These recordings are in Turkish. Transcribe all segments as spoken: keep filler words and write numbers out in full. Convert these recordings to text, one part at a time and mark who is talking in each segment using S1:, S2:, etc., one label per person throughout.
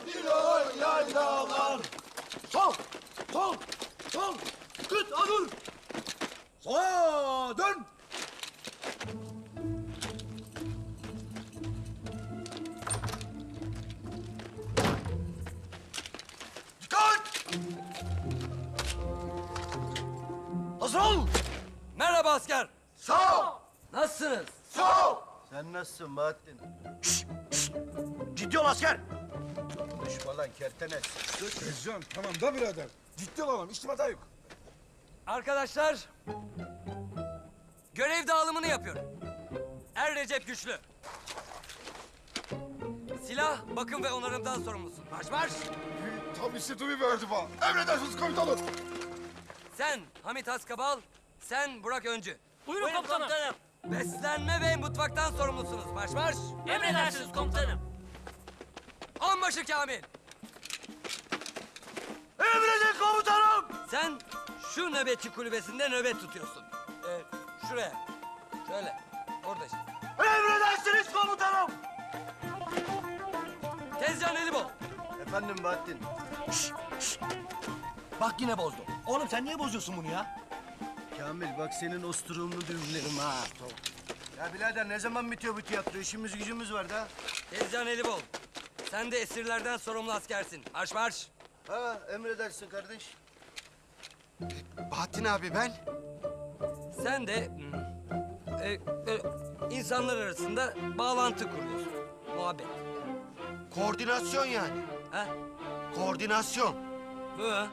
S1: Diloy yaylalar. Sol, sol, sol. Kıt adur. Sola dön. Dikkat! Hazır ol.
S2: Merhaba asker.
S1: Sağ ol.
S2: Nasılsınız?
S1: Sağ ol.
S3: Sen nasılsın Bahattin?
S1: Ciddi ol asker.
S3: Konuşma lan kertenes.
S4: Tezcan tamam da birader. Ciddi olalım, içtim hata yok.
S2: Arkadaşlar, görev dağılımını yapıyorum. Er Recep Güçlü. Silah, bakım ve onarımdan sorumlusun. Marş marş!
S4: Tabii situvi verdi bana. Emredersiniz komutanım.
S2: Sen Hamit Askabal, sen Burak Öncü.
S5: Buyurun komutanım.
S2: Beslenme ve mutfaktan sorumlusunuz. Marş marş!
S5: Emredersiniz komutanım.
S2: Onbaşı Kamil,
S1: Emredin komutanım.
S2: sen şu nöbetçi kulübesinde nöbet tutuyorsun. Ee, şuraya, şöyle, orada işte.
S1: Emredersiniz komutanım.
S2: Tezcan Elibol,
S3: Efendim Bahattin.
S1: Bak yine bozdu. Oğlum sen niye bozuyorsun bunu ya?
S3: Kamil bak senin osturuğunu düğümlerim ha. Ya birader ne zaman bitiyor bu tiyatro? İşimiz gücümüz var da.
S2: Tezcan Elibol. Sen de esirlerden sorumlu askersin. Marş marş!
S3: Ha emredersin kardeş.
S4: Bahattin abi ben.
S2: Sen de hmm, e, böyle insanlar arasında bağlantı kuruyorsun. Muhabbet.
S4: Koordinasyon yani.
S2: Ha?
S4: Koordinasyon.
S2: Bu. Hı.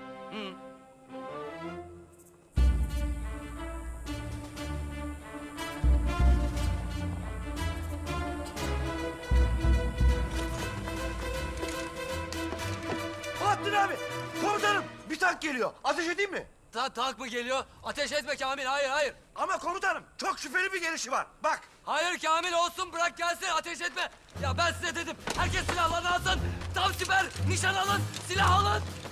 S1: Bahattin abi. Komutanım bir tank geliyor. Ateş edeyim mi?
S2: Ta tank mı geliyor? Ateş etme Kamil. Hayır hayır.
S1: Ama komutanım çok şüpheli bir gelişi var. Bak.
S2: Hayır Kamil olsun bırak gelsin ateş etme. Ya ben size dedim. Herkes silahlarını alsın. Tam siper nişan alın. Silah alın.